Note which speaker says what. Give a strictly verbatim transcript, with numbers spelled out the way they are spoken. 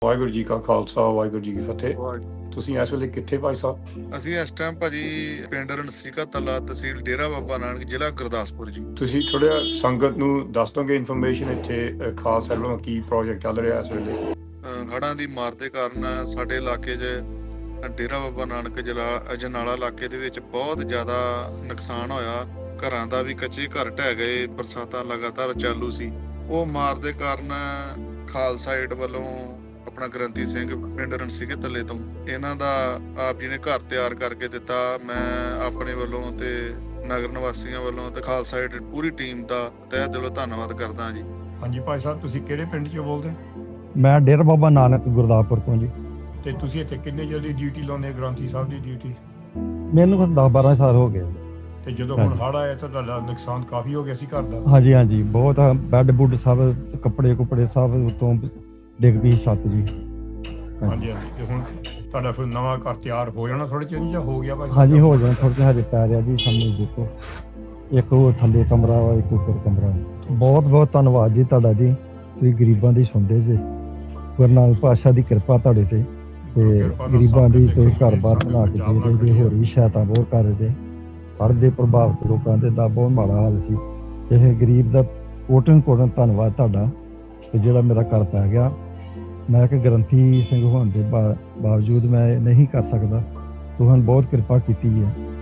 Speaker 1: ਵਾਹਿਗੁਰੂ ਜੀ ਕਾ ਖਾਲਸਾ ਵਾਹਿਗੁਰੂ ਜੀ ਕੀ ਫਤਿਹ।
Speaker 2: ਵਾਹਿਗੁਰੂ।
Speaker 1: ਤੁਸੀਂ ਇਸ ਵੇਲੇ ਕਿੱਥੇ ਭਾਈ ਸਾਹਿਬ?
Speaker 2: ਅਸੀਂ ਇਸ ਟਾਈਮ ਭਾਜੀ ਪਿੰਡ ਰਣਸੀਕਾ ਤਲਾ, ਤਹਿਸੀਲ ਡੇਰਾ ਬਾਬਾ ਨਾਨਕ, ਜ਼ਿਲ੍ਹਾ ਗੁਰਦਾਸਪੁਰ ਜੀ।
Speaker 1: ਤੁਸੀਂ ਥੋੜ੍ਹਾ ਸੰਗਤ ਨੂੰ ਦੱਸ ਦੋਗੇ ਇਨਫੋਰਮੇਸ਼ਨ ਇੱਥੇ ਅ, ਖਾਲਸਾ ਵੱਲੋਂ ਕੀ ਪ੍ਰੋਜੈਕਟ ਚੱਲ ਰਿਹਾ ਇਸ ਵੇਲੇ?
Speaker 2: ਅਹ ਹੜ੍ਹਾਂ ਦੀ ਮਾਰ ਦੇ ਕਾਰਨ ਸਾਡੇ ਇਲਾਕੇ 'ਚ ਡੇਰਾ ਬਾਬਾ ਨਾਨਕ ਜ਼ਿਲ੍ਹਾ ਅਜਨਾਲਾ ਇਲਾਕੇ ਦੇ ਵਿੱਚ ਬਹੁਤ ਜ਼ਿਆਦਾ ਨੁਕਸਾਨ ਹੋਇਆ। ਘਰਾਂ ਦਾ ਵੀ ਕੱਚੇ ਘਰ ਢਹਿ ਗਏ, ਬਰਸਾਤਾਂ ਲਗਾਤਾਰ ਚਾਲੂ ਸੀ। ਉਹ ਮਾਰ ਦੇ ਕਾਰਨ ਖਾਲਸਾ ਏਡ ਵੱਲੋਂ ਆਪਣਾ ਗ੍ਰੰਥੀ ਸਿੰਘ ਪਿੰਡ ਰਣਸੀਕੇ ਤੱਲੇ ਤੋਂ ਇਹਨਾਂ ਦਾ ਆਪ ਜੀ ਨੇ ਘਰ ਤਿਆਰ ਕਰਕੇ ਦਿੱਤਾ। ਮੈਂ ਆਪਣੇ ਵੱਲੋਂ ਤੇ ਨਗਰ ਨਿਵਾਸੀਆਂ ਵੱਲੋਂ ਤੇ ਖਾਲਸਾ ਏਡ ਪੂਰੀ ਟੀਮ ਦਾ ਤਹਿ ਦਿਲੋਂ ਧੰਨਵਾਦ ਕਰਦਾ ਜੀ।
Speaker 1: ਹਾਂਜੀ ਭਾਈ ਸਾਹਿਬ, ਤੁਸੀਂ ਕਿਹੜੇ ਪਿੰਡ 'ਚੋਂ ਬੋਲਦੇ?
Speaker 3: ਮੈਂ ਡੇਰਾ ਬਾਬਾ ਨਾਨਕ ਗੁਰਦਾਸਪੁਰ ਤੋਂ ਜੀ।
Speaker 1: ਤੇ ਤੁਸੀਂ ਇੱਥੇ ਕਿੰਨੇ ਜਲਦੀ ਡਿਊਟੀ ਲਾਉਂਦੇ ਗ੍ਰੰਥੀ ਸਾਹਿਬ ਦੀ ਡਿਊਟੀ?
Speaker 3: ਮੈਨੂੰ ਕੁਝ ਦਸ ਬਾਰਾਂ ਸਾਲ ਹੋ ਗਏ।
Speaker 1: ਤੇ ਜਦੋਂ ਹੁਣ ਹੜ੍ਹ ਆਇਆ ਤਾਂ ਤੁਹਾਡਾ ਨੁਕਸਾਨ ਕਾਫੀ ਹੋ ਗਿਆ ਸੀ ਘਰ ਦਾ?
Speaker 3: ਹਾਂਜੀ ਹਾਂਜੀ, ਬਹੁਤ ਬੈੱਡ ਬੁੱਡ ਸਭ, ਕੱਪੜੇ ਕੁਪੜੇ ਸਭ ਉਤੋਂ ਡਿੱਗ ਪਈ ਛੱਤ ਜੀ।
Speaker 1: ਹਾਂਜੀ ਹਾਂਜੀ। ਤੇ ਹੁਣ ਤੁਹਾਡਾ ਫਿਰ ਨਵਾਂ ਘਰ ਤਿਆਰ ਹੋ ਜਾਣਾ ਥੋੜ੍ਹੇ ਚਿਰ ਜਾਂ ਹੋ ਗਿਆ ਭਾਈ ਸਾਹਿਬ?
Speaker 3: ਹਾਂਜੀ ਹੋ ਜਾਣਾ, ਥੋੜ੍ਹੇ ਜਿਹੇ ਹਜੇ ਪੈ ਰਿਹਾ ਜੀ ਸਾਹਮਣੇ ਦੇਖੋ। ਇੱਕ ਉਹ ਥੱਲੇ ਕਮਰਾ ਵਾ, ਇੱਕ ਉੱਪਰ ਕਮਰਾ। ਬਹੁਤ ਬਹੁਤ ਧੰਨਵਾਦ ਜੀ ਤੁਹਾਡਾ ਜੀ, ਤੁਸੀਂ ਗਰੀਬਾਂ ਦੀ ਸੁਣਦੇ ਜੇ। ਗੁਰੂ ਨਾਨਕ ਪਾਤਸ਼ਾਹ ਦੀ ਕਿਰਪਾ ਤੁਹਾਡੇ ਤੇ, ਤੇ ਗਰੀਬਾਂ ਦੀ ਤੇ ਘਰ ਬਾਰ ਬਣਾ ਕੇ ਦੇ ਰਹੇ ਜੇ। ਹੋਰ ਵੀ ਸਹਾਇਤਾ ਬਹੁਤ ਕਰ ਰਹੇ ਜੇ। ਹੜ੍ਹ ਦੇ ਪ੍ਰਭਾਵਿਤ ਲੋਕਾਂ ਦੇ ਦਾ ਬਹੁਤ ਮਾੜਾ ਹਾਲ ਸੀ। ਇਹ ਗਰੀਬ ਦਾ ਕੋਟਨ ਕੋਟਨ ਧੰਨਵਾਦ ਤੁਹਾਡਾ ਤੇ ਜਿਹੜਾ ਮੇਰਾ ਘਰ ਪੈ ਗਿਆ। ਮੈਂ ਕਿ ਗ੍ਰੰਥੀ ਸਿੰਘ ਹੋਣ ਦੇ ਬਾ ਬਾਵਜੂਦ ਮੈਂ ਨਹੀਂ ਕਰ ਸਕਦਾ। ਤੁਹਾਨੂੰ ਬਹੁਤ ਕਿਰਪਾ ਕੀਤੀ ਹੈ।